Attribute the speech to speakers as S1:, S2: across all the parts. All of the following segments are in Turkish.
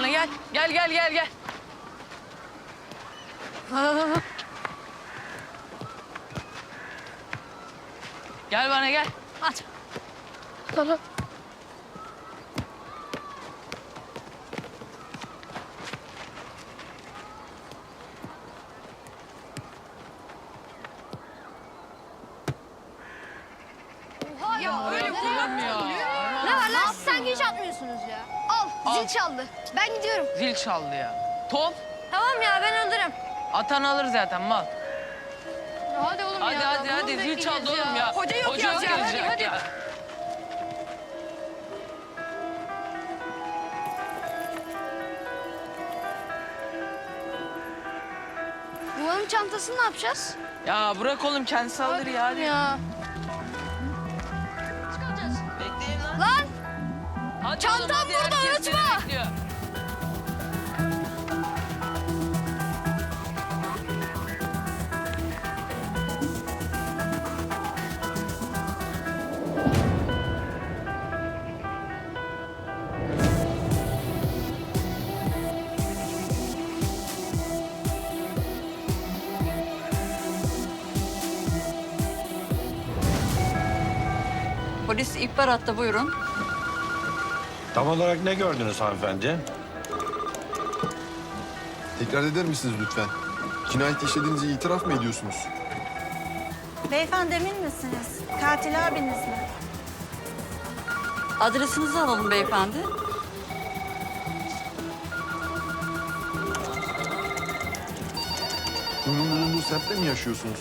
S1: bana gel. Gel. Gel bana gel. At. Tamam.
S2: Ya
S1: Öyle kullanmıyor.
S2: ne var lan siz sanki hiç atmıyorsunuz ya. Al zil çaldı. Ben gidiyorum.
S1: Zil çaldı ya. Top.
S2: Tamam ya ben alırım.
S1: Atan alır zaten mal.
S2: Hadi oğlum
S1: Hadi zil çaldı oğlum ya.
S2: Hoca yok ya.
S1: gelecek
S2: Hadi.
S1: ya.
S2: Yuvanın çantasını ne yapacağız?
S1: Ya bırak oğlum kendisi alır ya. Hadi.
S2: Ya. Çıkaracağız.
S1: Bekleyin lan.
S2: Lan
S1: Hadi
S2: Çantam
S1: oğlum, hadi.
S2: burada,
S1: Herkes seni
S2: unutma.
S1: bekliyor.
S3: Polis ihbar attı, buyurun.
S4: Tam olarak ne gördünüz hanımefendi?
S5: Tekrar eder misiniz lütfen? Cinayet işlediğinizi itiraf mı ediyorsunuz?
S6: Beyefendi emin misiniz? Katil abiniz mi?
S3: Adresinizi alalım beyefendi.
S5: Kuyunun bulunduğu semtte mi yaşıyorsunuz?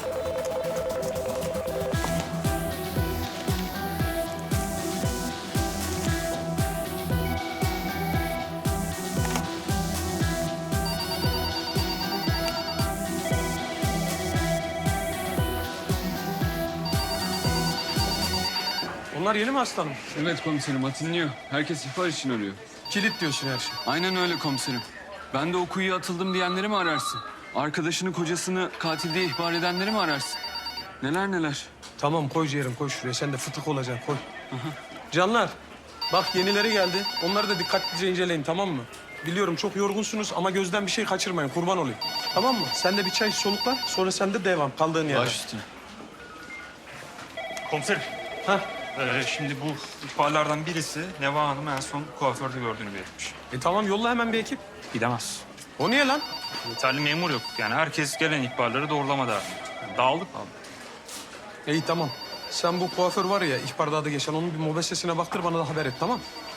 S7: Onlar yeni mi aslanım?
S8: Evet komiserim, atınlıyor. Herkes ihbar için arıyor.
S7: Kilit diyorsun her şey.
S8: Aynen öyle komiserim. Ben de o kuyuya atıldım diyenleri mi ararsın? Arkadaşını, kocasını katil diye ihbar edenleri mi ararsın? Neler.
S7: Tamam koy ciğerim koy şuraya. Sen de fıtık olacaksın koy. Canlar bak yenileri geldi. Onları da dikkatlice inceleyin tamam mı? Biliyorum çok yorgunsunuz ama gözden bir şey kaçırmayın kurban olayım. Tamam mı? Sen de bir çay solukla sonra sen de devam kaldığın yerden.
S8: Baş üstüne.
S9: Komiserim.
S7: Hah.
S9: Şimdi bu ihbarlardan birisi Neva Hanım'ı en son kuaförde gördüğünü belirtmiş.
S7: Tamam yolla hemen bir ekip.
S9: Gidemez.
S7: O niye lan?
S9: Yeterli memur yok. Yani herkes gelen ihbarları doğrulamada. Yani dağıldık abi.
S7: İyi tamam. Sen bu kuaför var ya ihbarda adı geçen onun bir mobesesine baktır bana da haber et tamam.